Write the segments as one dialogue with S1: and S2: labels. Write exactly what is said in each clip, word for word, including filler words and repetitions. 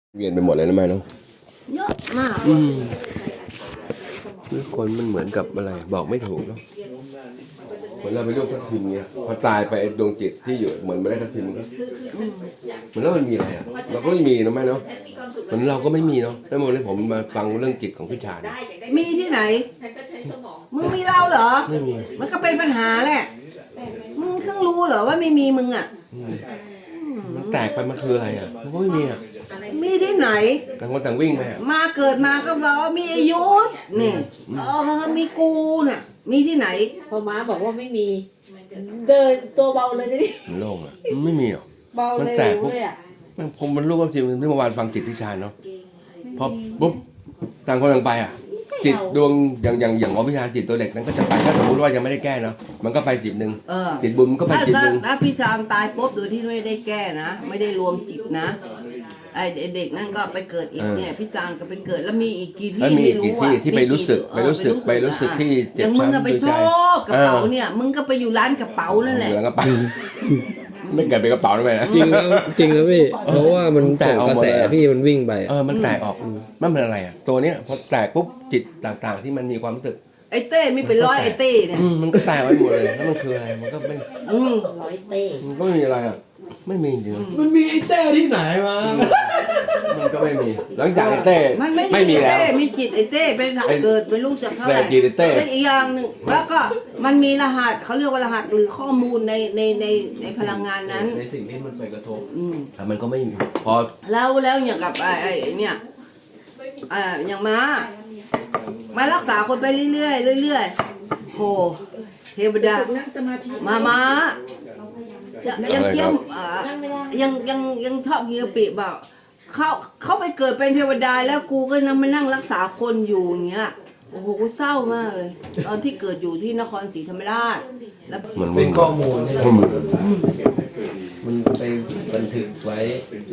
S1: เวียนไปหมดเลยนะแม่เนาะ
S2: เยอะมาก
S1: อืมคือคนมันเหมือนกับอะไรบอกไม่ถูกเนาะเหมือนเราไปรูปทับทิมเงี้ยพอตายไปไอ้ดวงจิตที่อยู่เหมือนไม่ได้ทับทิมก็เหมือนแล้วมันมีอะไรอ่ะเราก็ไม่มีนะแม่เนาะเหมือนเราก็ไม่มีเนาะแล้ววันนี้ผมมาฟังเรื่องจิตของพี่ชาญ
S2: มีที่ไหนมึงมีเราเหรอ
S1: ไม่มี
S2: มันก็เป็นปัญหาแหละมึงเพิ่งรู้เหรอว่าไม่มีมึงอ่ะ
S1: มันแตกไปมันคืออะไรอ่ะมันก็ไม่มีอ่ะ
S2: มีที่ไหน
S1: ต่างคนต่างวิ่งไป
S2: มาเกิดมาก็บอกว่ามีอายุนี่เออมีกูน่ะมีที่ไหน
S3: พอม้าบอกว่าไม่มีเดินตัวเบาเลยนี่
S1: มันโล่งอ่ะมันไม่มีหรอก
S3: เบาเลยเลยอ่ะ
S1: มันผมมันรู้ว่าจริงที่เมื่อวานฟังจิตพี่ชาญเนาะพอปุ๊บต่างคนต่างไปอ่ะจิตดวงอย่างอย่างอย่างหมอพิชาจิตตัวเล็กนั้นก็จะไปถ้าสมมติว่ายังไม่ได้แก้เนาะมันก็ไปจิตหนึ่งจิตบุญมันก็ไปจิตหนึ่ง
S2: ถ้าพี่ชาญตายปุ๊บโดยที่ไม่ได้แก้นะไม่ได้รวมจิตนะไอเด็กนั่นก็ไปเกิดอีกเนี่ยพี่จางก็ไปเกิดแล้วมีอีกกี่ที่
S1: ไม่รู้อ่ะที่ไปรู้สึกไปรู้สึกไปรู้สึกที่
S2: เจ็บช้ำอย่างมึงก็ไปชอบกระเป๋าเนี่ยมึงก็ไปอยู่ร้านกระเป๋านั่นแหละ
S1: ร้านกระเป๋าไม่เกิดเป็นกระเป๋าได้ไหมนะ
S4: จริงจริงนะพี่เพราะว่ามันส่งกระแสพี่มันวิ่งไป
S1: เออมันแตกออกมันเป็นอะไรอ่ะตัวเนี้ยพอแตกปุ๊บจิตต่างๆที่มันมีความรู้สึก
S2: ไอ้เต้มีเป็นร้อยไอ้เต้เนี่ย
S1: มันก็แตกไปหมดเลยแล้วมันคืออะไรมันก็ไม่
S3: ร้อยเต้
S1: มันก็ไม่มีอะไรอ่ะไม่มีจริง
S4: มันมีไอ้เต้ที่ไหนมา
S1: มันก็ไม่มีหลังจากไอ้เต้
S2: มันไม่มีแล้วมีจิตไอ้เต้เป็นเกิดเป็นลูกจากเขา
S1: แต่จิตไอ้เต้
S2: และอีกอย่างหนึ่งแล้วก็มันมีรหัสเขาเรียกว่ารหัสหรือข้อมูลในในในในพลังงานนั้น
S4: ในสิ่งที่มันไปกระทบ
S1: แต่มันก็ไม่มีพอ
S2: แล้วแล้วอย่างกับไอ้ไอ้เนี่ยอ่าอย่างม้ามารักษาคนไปเรื่อยๆเรื่อยๆโหเทวดามาม้ายังเที่ยวยังยังยังทอบเยียปีเปล่าเขาเขาไปเกิดเป็นเทวดาแล้วกูก็นั่งมานั่งรักษาคนอยู่อย่างเงี้ยโอ้โหกูเศร้ามากเลยตอนที่เกิดอยู่ที่นครศรีธรรมราชแล้ว
S4: มันเป็นข้อมูลเนี่ยมันไปบันทึกไว้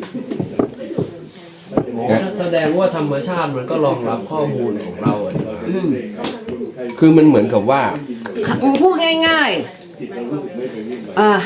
S4: แสดงว่าธรรมชาติมันก็รองรับข้อมูลของเรา
S1: คือมันเหมือนกับว่า
S2: พูดง่ายๆอ่า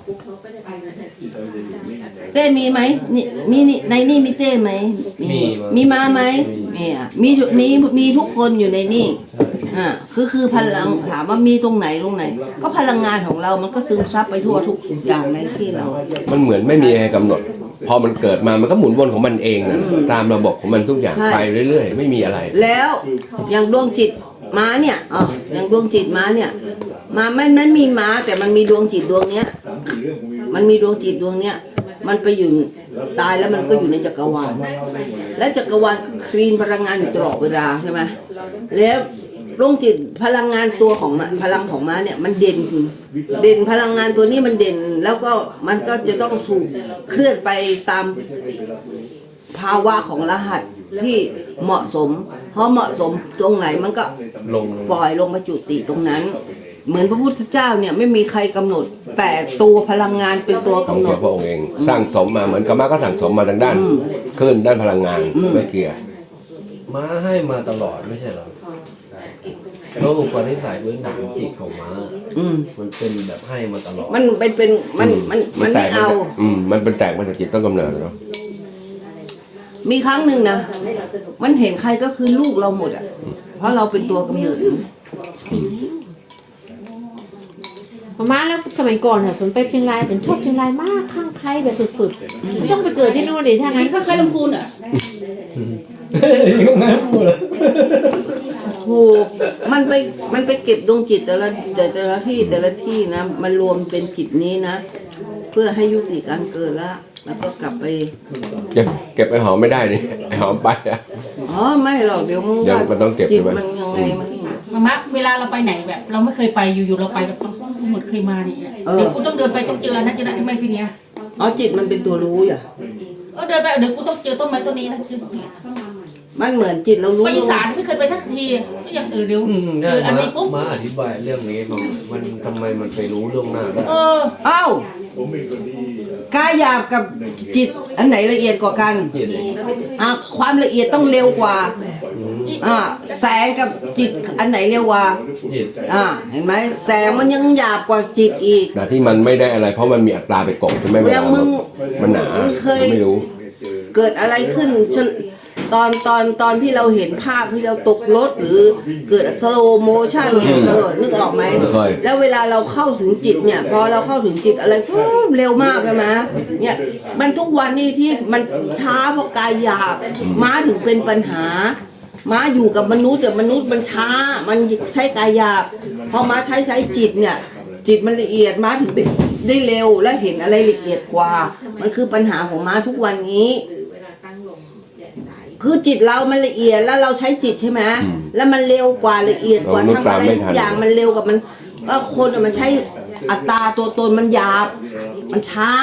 S2: เต้มีไหมนี่มีนี่ในนี่มีเต้ไหมมีมีมาไหมมีอ่ะมีมีมีทุกคนอยู่ในนี่อ่าคือคือพลังถามว่ามีตรงไหนตรงไหนก็พลังงานของเรามันก็ซึมซับไปทั่วทุกอย่างในที่เรา
S1: มันเหมือนไม่มีอะไรกำหนดพอมันเกิดมามันก็หมุนวนของมันเองนะตามระบบของมันทุกอย่างไปเรื่อยๆไม่มีอะไร
S2: แล้วอย่างดวงจิตม้าเนี่ยอ๋ออย่างดวงจิตม้าเนี่ยมาไม่ไม่มีม้าแต่มันมีดวงจิตดวงเนี้ยมันมีดวงจิตดวงเนี้ยมันไปอยู่ตายแล้วมันก็อยู่ในจักรวาลและจักรวาลก็คลีนพลังงานอยู่ตลอดเวลาใช่ไหมแล้วดวงจิตพลังงานตัวของพลังของม้าเนี่ยมันเด่นคือเด่นพลังงานตัวนี้มันเด่นแล้วก็มันก็จะต้องถูกเคลื่อนไปตามภาวะของรหัสที่เหมาะสมเพราะเหมาะสมตรงไหนมันก็ปล่อยลงมาจุติตรงนั้นเหมือนพระพุทธเจ้าเนี่ยไม่มีใครกำหนดแต่ตัวพลังงานเป็นตัวกำหนด
S1: พระองค์เองสร้างสมมาเหมือนกับม้าก็สั่งสมมาทางด้านขึ้นด้านพลังงานไม่เกี่ยว
S4: ม้าให้มาตลอดไม่ใช่หรอแล้วอุปนิสัยพื้นฐานจิตของม้ามันเป็นแบบให้มาตลอด
S2: มันเป็นเป็นมันมันมันไม่เอา
S1: อืมมันเป็นแตกมาจากจิตต้นกำเนิดเนาะ
S2: มีครั้งหนึ่งนะมันเห็นใครก็คือลูกเราหมดอ่ะเพราะเราเป็นตัวกำเนิด
S3: มาแล้วสมัยก่อนเนี่ยสนไปเชียงรายแต่ชอบเชียงรายมากข้างใครแบบสุดๆไม่ต้องไปเกิดที่นู่นดิถ้างั้น
S2: ข้างใครลำพูนอ่ะ
S4: ข้างใครลำพูนเหรอ
S2: ถูกมันไปมันไปเก็บดวงจิตแต่ละแต่ละที่แต่ละที่นะมันรวมเป็นจิตนี้นะเพื่อให้ยุติการเกิดละแล้วก็กลับไป
S1: เก็บเก็บไอ้หอมไม่ได้นี่ไอ้หอมไปอ่ะ
S2: อ๋อไม่หรอกเดี๋ยวมึง
S1: มันต้องเก็บ
S2: จิตมันยังไงมัน
S5: มามาเวลาเราไปไหนแบบเราไม่เคยไปอยู่ๆเราไปแบบหมดเคยมาเนี่ยเดี๋ยวกูต้องเดินไปต้องเจอนะเจอนะทำไมเป็นเนี้ย
S2: อ๋อจิตมันเป็นตัวรู้อย่า
S5: เออเดินไปเดี๋ยวกูต้องเจอต้นไม้ต้นนี้นะเจอ
S2: มันเหมือนจิตเรารู้
S5: ไปอีสานไม่เคยไปสักทีก็ยังเออเดี๋ยวเอออันนี้ปุ๊บ
S4: มาอธิบายเรื่องนี้มันทำไมมันไปรู้เรื่องหน้าได้
S5: เออ
S2: เอ้า กายหยาบกับจิตอันไหนละเอียดกว่ากันอ่ะความละเอียดต้องเร็วกว่าอ่าแสงกับจิตอันไหนเร็วกว่าอ่าเห็นไหมแสงมันยังหยาบกว่าจิตอีก
S1: แต่ที่มันไม่ได้อะไรเพราะมันมีอัตราไปกบใช่ไหมเวลามันหนาไม่รู้
S2: เกิดอะไรขึ้นฉะตอนตอนตอนที่เราเห็นภาพที่เราตกรถหรือเกิดสโลโมชั่นเนี่ยเออนึกออกไหมแล้วเวลาเราเข้าถึงจิตเนี่ยพอเราเข้าถึงจิตอะไรปุ๊บเร็วมากเลยนะเนี่ยมันทุกวันนี้ที่มันช้าเพราะกายหยาบม้าถึงเป็นปัญหาม้าอยู่กับมนุษย์แต่มนุษย์มันช้ามันใช้กายหยาบพอม้าใช้ใช้จิตเนี่ยจิตมันละเอียดม้าถึงได้ได้เร็วและเห็นอะไรละเอียดกว่ามันคือปัญหาของม้าทุกวันนี้คือจิตเรามันละเอียดแล้วเราใช้จิตใช่ไหมแล้วมันเร็วกว่าละเอียดกว่าทำอะไรทุกอย่างมันเร็วกว่ามันก็คนมันใช้อัตราตัวตนมันหยาบมันช้า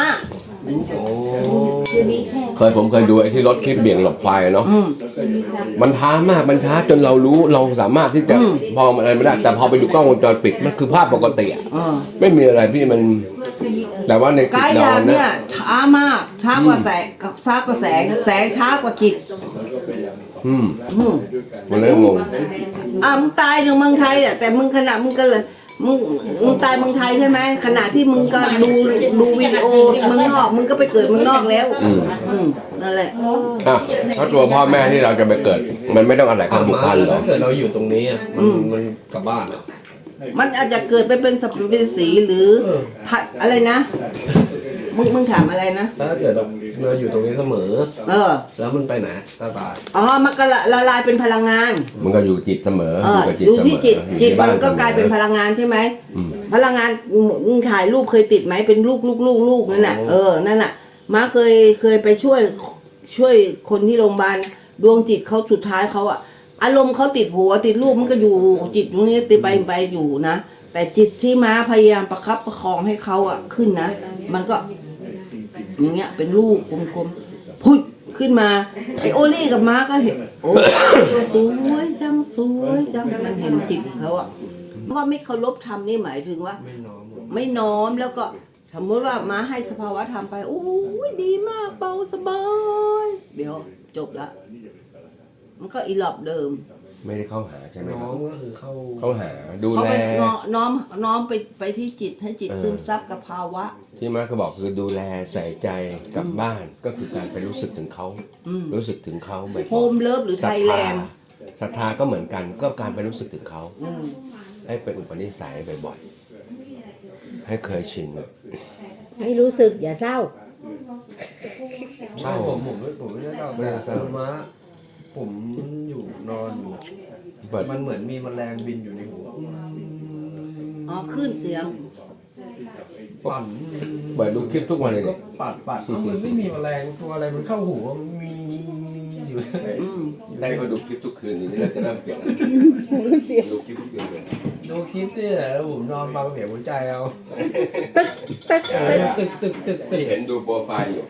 S1: เคยผมเคยดูไอ้ที่รถคลิปเบี่ยงหลบไฟเนาะมันช้ามากมันช้าจนเรารู้เราสามารถที่จะพออะไรไม่ได้แต่พอไปดูกล้องวงจรปิดมันคือภาพปกติอ่ะไม่มีอะไรพี่มันแต่ว่าในจิต
S2: กายห
S1: เรา
S2: ยาบ
S1: เนี่
S2: เนี่ย ยช้ามากช้ากว่าแสงช้ากว่าแสงแสงช้ากว่าจิต
S1: อืม
S2: อืม
S1: มันเลยงง
S2: อ่ะมึงตายอยู่เมืองไทยอ่ะแต่มึงขณะมึงก็เลยมึงมึงตายเมืองไทยใช่ไหมขณะที่มึงก็ดูดูวิดีโอเมืองนอกมึงก็ไปเกิดเมืองนอกแล้วอืมนั่นแหละ
S1: อ่ะถ้าตัวพ่อแม่ที่เราจะไปเกิด มันไม่ต้องอาศัยความผูกพันหรอ
S4: ถ้าเกิดเราอยู่ตรงนี้อะมันมันกลับบ้านอะ
S2: มันอาจจะเกิดไปเป็นสัพเพสีหรือผัดอะไรนะมึงมึงถามอะไรนะ
S4: ถ้าเกิดเราเราอยู่ตรงนี้เสมอ
S2: เออ
S4: แล้วมันไปไหนตาตาย
S2: อ๋อมันก็ละละลายเป็นพลังงาน
S1: มันก็อยู่จิตเสมอ
S2: เอ
S1: อยู่
S2: อ
S1: กับจิต
S2: ดู
S1: เสม
S2: ที่
S1: อ
S2: จิต
S1: อยู่
S2: จิต
S1: ที่
S2: มั
S1: บ้
S2: นก็กลายเป็นพลังงานใช่ไหมพลังงานมึงถ่ายรูปเคยติดไหมเป็นลูกลูกลูกลูกนั่นน่ะเออนั่นน่ะม้าเคยเคยไปช่วยช่วยคนที่โรงพยาบาลดวงจิตเขาสุดท้ายเขาอะอารมณ์เขาติดหัวติดรูปมันก็อยู่จิตตรงนี้ติดไปไปอยู่นะแต่จิตที่ม้าพยายามประคับประคองให้เขาอะขึ้นนะมันก็อย่างเงี้ยเป็นลูกกลมๆพุดขึ้นมาไอโอลี่กับม้าก็เห็นโอ้สวยจังสวยจังมันเห็นจิตเขาอะเพราะว่าไม่เคารพธรรมนี่หมายถึงว่า
S4: ไม่น้อมหรอก
S2: ไม่น้อมแล้วก็สมมติว่าม้าให้สภาวะธรรมไปโอ้ยดีมากเบาสบายเดี๋ยวจบละมันก็อีหลอบเดิม
S1: ไม่ได้เข้าหาใช่ไหมค
S4: น้
S1: รั
S4: อบ มก็คือเข้า
S1: เข้าหาดู
S2: เขา
S1: แล
S2: ไปน้อน้อมน้อมไปไปที่จิตให้จิต
S1: เออ
S2: ซึมซับกับภาวะ
S1: ที่มาเขาบอกคือดูแลใส่ใจกับบ้านก็คือการไปรู้สึกถึงเขา
S2: อืม
S1: รู้สึกถึงเขาบ่อยๆ
S2: โฮมเลิฟหรือ
S1: ศ
S2: ไท
S1: รัท
S2: ยแล
S1: ธาน
S2: ด์
S1: ศรัทธาก็เหมือนกันก็การไปรู้สึกถึงเขา
S2: อืม
S1: ให้เป็นอุปนิสัยบ่อยๆให้เคยชินอะ
S3: ให้รู้สึกอย่าเศร้า
S1: เศร้า
S4: ผมผมไม่ผมไม่ได้เศร้า
S1: ไม่ได้เศร้า
S4: แต่ม้าผมอยู่นอนอยู่
S1: เปิด
S4: มันเหมือนมีแมลงบินอยู่ในหัว
S2: อ๋อคลื่นเสียง
S4: ปั่น
S1: เปิดดูคลิปทุกวันเลย
S4: ก็
S1: เนี่ย
S4: ปัดปัดเอ้ามันไม่มีแมลงตัวอะไรมันเข้าหัวมันมีอยู่
S2: อืม
S1: ได้มาดูคลิปทุกคืนนี้เราจะเริ่มเปลี่ยนดูคลิปทุกคืนเลย
S4: ดูคลิปนี่แหละแล้วผมนอนฟังเสียงหัวใจเอา
S3: ตึ๊กตึ๊กตึ๊ก
S4: ตึกตึกตึกตึ
S1: ที่
S4: ก
S1: เห็นดูโปรไฟล์อยู่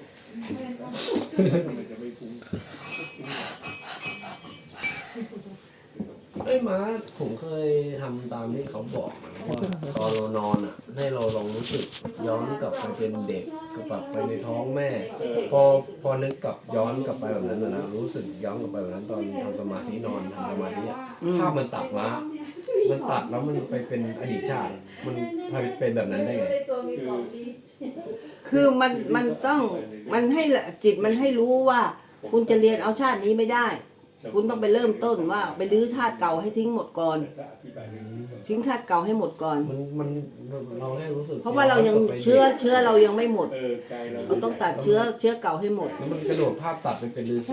S4: ไอ้ยม้าผมเคยทำตามที่เขาบอกนะว่าตอนเรานอนอ่ะ ให้เราลองรู้สึกย้อนกลับไปเป็นเด็กกลับไปในท้องแม่ พอพอนึกกลับย้อนกลับไปแบบนั้นนะนะรู้สึกย้อนกลับไปแบบนั้นตอนทำสมาธินอนทำสมาธิอะภาพมันตัดม้ามันตัดแล้วมันไปเป็นอดีตชาติ มันเป็นแบบนั้นได้ไง
S2: คือมันมันต้องมันให้ละจิตมันให้รู้ว่า คุณจะเรียนเอาชาตินี้ไม่ได้ คุณต้องไปเริ่มต้นว่าไปรื้อชาติเก่าให้ทิ้งหมดก่อน ทิ้งชาติเก่าให้หมดก่อน
S4: มันมันเราให้รู้สึก
S2: เพราะว่าเรายังเชื้อเชื้อเรายังไม่หมด เราต้องตัดเชื้อเชื้อเก่าให้หมด
S4: แล้วมันกระโดดภาพตัดไปเป็นฤาษี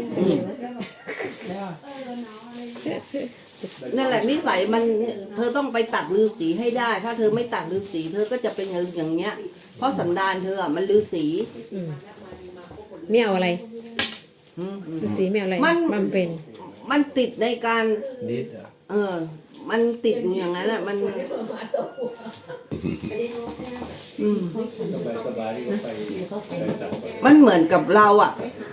S2: นั่นแหละนิสัยมันเธอต้องไปตัดฤาษีให้ได้ ถ้าเธอไม่ตัดฤาษีเธอก็จะเป็นอย่างเงี้ย เพราะสันดานเธออะมันฤาษี
S3: ไม่เอาอะไร
S2: อืม
S3: ฤาษีไม่เอาอะไร
S2: มัน
S3: มันเป็น
S2: มันติดในการ
S4: นิดอ่ะ
S2: เออ มันติดอยู่อย่างนั้นอ่ะ มันอืมมันเหมือนกับเราอ่ะ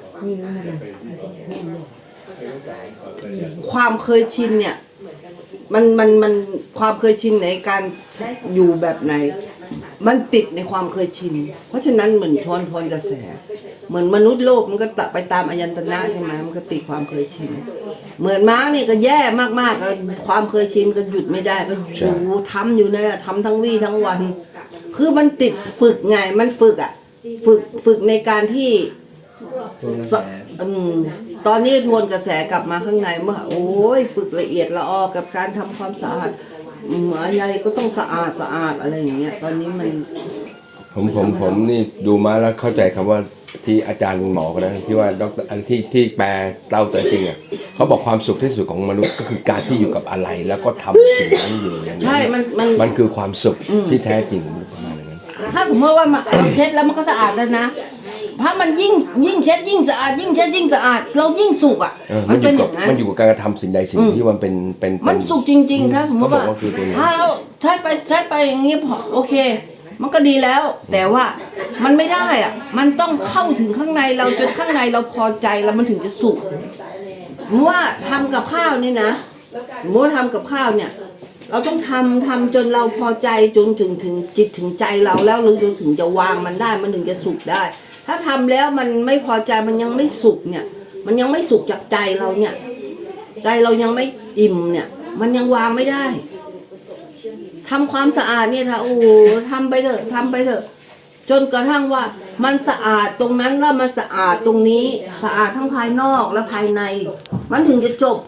S2: ความเคยชินเนี่ย มันมันมันความเคยชินในการอยู่แบบไหน มันติดในความเคยชิน เพราะฉะนั้นเหมือนทวนทวนกระแส เหมือนมนุษย์โลกมันก็ตะไปตามอายันตนะใช่ไหมมันก็ติดความเคยชิน เหมือนม้าเนี่ยก็แย่มากๆแล้วความเคยชินก็หยุดไม่ได้ก็อยู่ทำอยู่นั่นแหละทำทั้งวี่ทั้งวัน คือมันติดฝึกไงมันฝึกอ่ะ ฝึกฝึกในการที่
S4: ทวนกระ
S2: ส
S4: แส
S2: อืมตอนนี้ทวนกระแสกลับมาข้างในเมื่อโอ้ยฝึกละเอียดละออกับการทำความสะอาดอืมอะไรก็ต้องสะอาดสะอาดอะไรอย่างเงี้ยตอนนี้มัน
S1: ผมผมผมนี่ดูมาแล้วเข้าใจคำว่าที่อาจารย์หมอกันนะที่ว่าดรอันที่ที่แปลเล่าตัวจริงอ่ะเขาบอกความสุขที่สุดของมนุษย์ก็คือการที่อยู่กับอะไร แล้วก็ทำสิ่งนั้นอยู่อย่างนั้น
S2: ใช่มันมัน
S1: มันคือความสุขที่แท้จริงประมาณนั้น
S2: ถ้าสมมติว่ามันเราเช็ดแล้วมันก็สะอาดแล้วนะถ้ามันยิ่งยิ่งเช็ดยิ่งสะอาดยิ่งเช็ดยิ่งสะอาดเรายิ่งสุกอ่ะ
S1: เออ
S2: มั
S1: มัน นอ
S2: เป็น
S1: ยู่
S2: อ
S1: กับ
S2: ย่างนั้น
S1: มันอยู่กับการกระทำสิ่งใดสิ่งหนึ่งที่มันเป็นเป็นเป็
S2: มันสุกจริงๆถ้าสมมติว่า
S1: เขาบอกว่าคือตัวนี้
S2: ถ้าเราใช้ไปใช้ไปอย่างนี้พอโอเค มันก็ดีแล้ว แต่ว่ามันไม่ได้อ่ะมันต้องเข้าถึงข้างในเราจนข้างในเราพอใจแล้วมันถึงจะสุกสมมติว่าทำกับข้าวนี่นะสมมติว่าทำกับข้าวเนี่ย เราต้องทำทำจนเราพอใจจนถึงถึงจิตถึงใจเราแล้วหรือจนถึงจะวางมันได้มันถึงจะสุกได้ ถ้าทำแล้วมันไม่พอใจมันยังไม่สุกเนี่ย มันยังไม่สุกจากใจเราเนี่ย ใจเรายังไม่อิ่มเนี่ย มันยังวางไม่ได้ทำความสะอาดเนี่ยค่ะโอ้ทำไปเถอะทำไปเถอะ จนกระทั่งว่ามันสะอาดตรงนั้นแล้วมันสะอาดตรงนี้สะอาดทั้งภายนอกและภายใน มันถึงจะจบ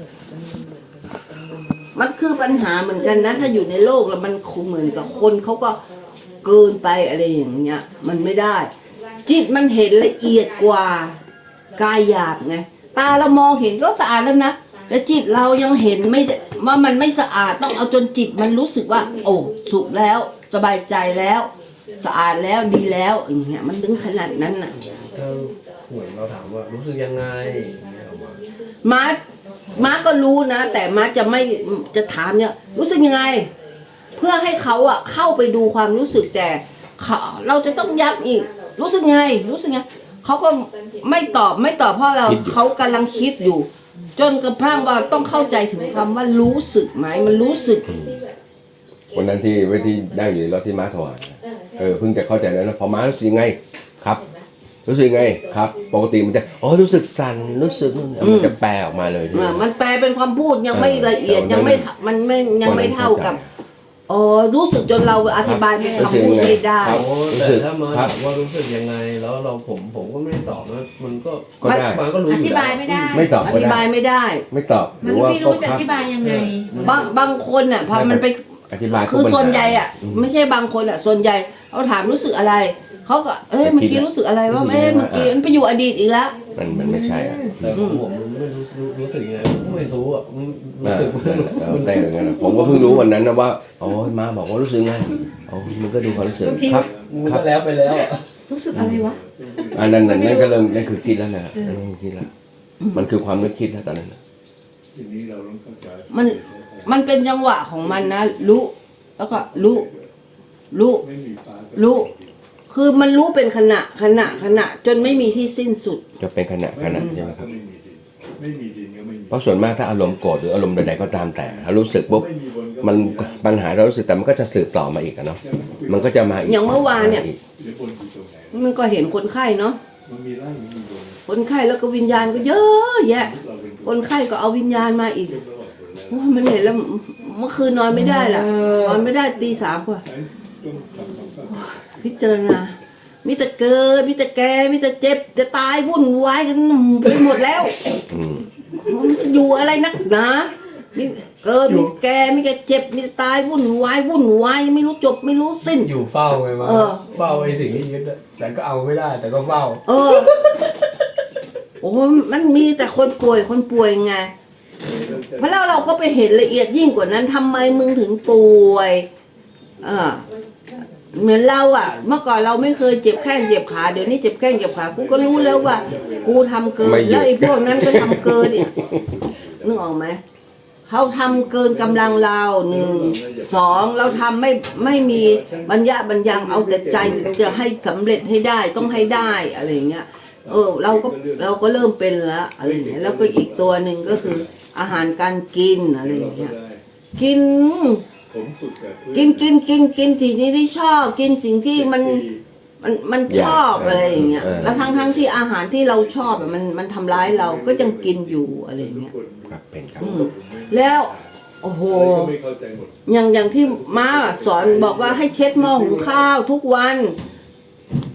S2: มันคือปัญหาเหมือนกันนะถ้าอยู่ในโลกแล้วมันคงเหมือนกับคนเขาก็เกินไปอะไรอย่างเงี้ย มันไม่ได้ จิตมันเห็นละเอียดกว่ากายหยาบไงตาเรามองเห็นก็สะอาดแล้วนะแต่จิตเรายังเห็นไม่ได้ว่ามันไม่สะอาดต้องเอาจนจิตมันรู้สึกว่า โอ้สุขแล้ว สบายใจแล้ว สะอาดแล้วดีแล้วอย่างเงี้ยมันถึงขนาดนั้นน่ะ
S4: ถ้าเหมือนเราถามว่ารู้สึกยังไงอย่างเงี้ยเอามา
S2: ม้าม้าก็รู้นะ แต่ม้าจะไม่จะถามเนี่ยรู้สึกยังไง เพื่อให้เขาอะเข้าไปดูความรู้สึกแต่เขาเราจะต้องย้ำอีก รู้สึกไง รู้สึกไงเขาก็ไม่ตอบไม่ตอบเพราะเราเขากำลังคิดอยู่ จนกระทั่งว่าต้องเข้าใจถึงคำว่ารู้สึกไหมมันรู้สึก
S1: วันนั้นที่ไว้ที่นั่งอยู่ในรถที่ม้าถวายเออเพิ่งจะเข้าใจแล้วนะพอม้ารู้สึกยังไงครับ รู้สึกยังไงครับ ปกติมันจะอ๋อรู้สึกสั่นรู้สึกนู่นมันจะแปลออกมาเลยใช่ไหม
S2: อ่ามันแปลเป็นความพูดยังไม่ละเอียด
S1: เออ
S2: ยังไม่มันไม่ยังไม่เท่ากับอ๋อรู้สึกจนเราอธิบายเป็นคำพูดไม่ได้
S1: ครับ
S4: โอ้
S1: รู้
S4: แต่
S1: สึก
S4: ถ้ามา
S1: ครั
S4: ถา
S1: บ
S4: มว่ารู้สึกยังไง แล้วเราผมผมก็ไม่ได้ตอบนะมันก็
S1: ก็ได้
S4: มันก็รู้
S3: อ
S4: อยู่
S3: ธิ
S4: แล้ว
S3: บายไม่ได้
S1: ไม่ตอบ
S2: อ
S1: ก็
S2: ธิ
S1: ได้
S2: บายไม่ได้
S1: ไม่ตอบห
S3: มั
S1: รื
S3: น
S1: อว่า
S3: ไม่รู้จะ
S1: ค
S3: อบ ธิบายยังไง
S2: บางบางคนอ่ะพอมันไป
S1: อธิบายก็
S2: คือ
S1: ปัญหา
S2: ส่วนใหญ่อ่ะไม่ใช่บางคนอ่ะส่วนใหญ่เขาถามรู้สึกอะไรเขาก็เอ้ย
S1: แต่
S2: เมื่อ
S1: คิ
S2: กี้
S1: ดอะ
S2: รู้สึกอะไรว่า
S1: รู้สึก
S2: เอ้ย
S1: ยังไง
S2: เมื่อกี้
S1: ว่า
S2: มันไปอยู่อดีตอีกแล้ว
S1: มันมันไม่ใช่อ่ะ
S4: แต่ของผมมันไม่รู้รู้รู้สึกยังไงผมก็ไม่รู้อ่ะมันรู้สึก
S1: เออแต่อย่างนั้นนะผมก็เพิ่งรู้วันนั้นนะว่าอ๋อม้าบอกว่ารู้สึกไงอ๋อมันก็ดูความรู้สึกครับ
S4: มัน
S1: ครั
S4: ก็
S1: บ
S4: แล้วไปแล้วอะ
S3: รู้สึกอะไรวะ
S1: อันนั้นนั่นนั่นก็เริ่มนั่นคือคิดแล้วนะนั่นคือคิดแล้วมันคือความนึกคิดแล้วตอนนั้นนะ
S6: ทีนี้เราต้องเข้าใจ
S2: มันมันเป็นจังหวะของมันนะรู้แล้วก็รู้รู้
S6: ไม่มีฟ้าก็
S2: รู้คือมันรู้เป็นขณะขณะขณะจนไม่มีที่สิ้นสุด
S1: จะเป็นขณะขณะใช่ไหมครับ
S6: ไม่มีดินไม่มีดินก็ไม่มี
S1: เพราะส่วนมากถ้าอารมณ์โกรธหรืออารมณ์ใดๆก็ตามแต่ถ้ารู้สึกปุ๊บ
S6: ไม่มีบนก็
S1: มันปัญหาเรารู้สึกแต่มันก็จะสืบต่อมาอีกอะเนาะมันก็จะมาอีก
S2: อย่างเมื่อวานเนี่ย
S1: อีก
S6: หรือบนอยู่ตรงไหน
S2: มันก็เห็นคนไข้เนาะ
S6: มันมีร่างมีบน
S2: คนไข้แล้วก็วิญญาณก็เยอะแยะ
S6: เราเป็น
S2: คนไข้ก็เอาวิญญาณมาอีก
S6: ระหว่างบนแล้ว
S2: โอ้ยมันเห็นแล้วเมื่อคืนนอนไม่ได้ล่ะนอนไม่ได้ตีสามกว่า
S6: ใช้ต้องทำความเข้าใจ
S2: พิจารณามิแต่เกิดมิแต่แก่มิแต่เจ็บจะตายวุ่นวายกันไปหมดแล้ว
S1: อืม
S2: มันจะอยู่อะไรนักหนามีเกิดมีแก่มีแต่เจ็บมีแต่ตายวุ่นวายวุ่นวายไม่รู้จบไม่รู้สิ้น
S4: อยู่เฝ้าไงมา
S2: เออ
S4: เฝ้าไอ้สิ่งที่ยึดอะแต่ก็เอาไม่ได้ แต่ก็เฝ้า
S2: เออ โอ้มันมีแต่คนป่วยคนป่วยไงเพราะแล้วเราก็ไปเห็นละเอียดยิ่งกว่านั้นทำไมมึงถึงป่วยอ่าเหมือนเราอ่ะ เมื่อก่อนเราไม่เคยเจ็บแข้งเจ็บขาเดี๋ยวนี้เจ็บแข้งเจ็บขากูก็รู้แล้วว่า กูทำเกินแล้วไอ้พวกนั้นก็ทำเกินเนี่ยนึกออกไหมเขาทำเกินกำลังเราหนึ่งสองเราทำไม่ไม่มีบรรยะบรรยังเอาแต่ใจจะให้สำเร็จให้ได้ต้องให้ได้อะไรอย่างเงี้ย เออเราก็เราก็เริ่มเป็นละอะไรอย่างเงี้ยแล้วก็อีกตัวหนึ่งก็คืออาหารการกินอะไรอย่างเงี้ยกิน
S6: ผมฝึกแบบ
S2: กินกินกินกินสิ่งที่ชอบกินสิ่งที่มันมันมันชอบอะไรอย่างเงี้ยแล้วทั้งทั้งที่อาหารที่เราชอบอะมันมันทำร้ายเราก็ยังกินอยู่อะไรอย่างเงี้ย
S1: ครับเป็นครับ
S2: อืมแล้วโอ้โห
S6: ก็ไม่เข้าใจหมด
S2: อย่างอย่างที่ม้าสอนบอกว่าให้เช็ดหม้อหุงข้าวทุกวัน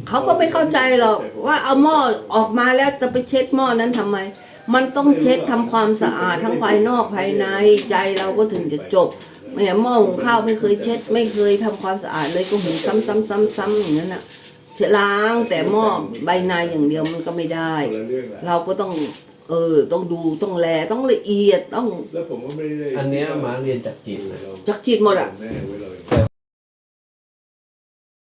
S2: เขาก็ไม่เข้าใจหรอกว่าเอาหม้อออกมาแล้วจะไปเช็ดหม้อนั้นทำไม มันต้องเช็ดทำความสะอาดทั้งภายนอกภายในใจเราก็ถึงจะจบไม่อย่างหม้อหุงข้าวไม่เคยเช็ด ไม่เคยทำความสะอาดเลยก็หุงซ้ำๆๆๆอย่างนั้นน่ะล้างแต่หม้อใบในอย่างเดียวมันก็ไม่ได้
S6: คนละเรื่องละ
S2: เราก็ต้องเออต้องดูต้องแลต้องละเอียดต้อง
S6: แล้วผมก็ไม่ได้
S4: อันเนี้ยมาเรียนจากจิตนะ
S2: จักจิตหมดอ่ะ
S6: แม่ไว้เลย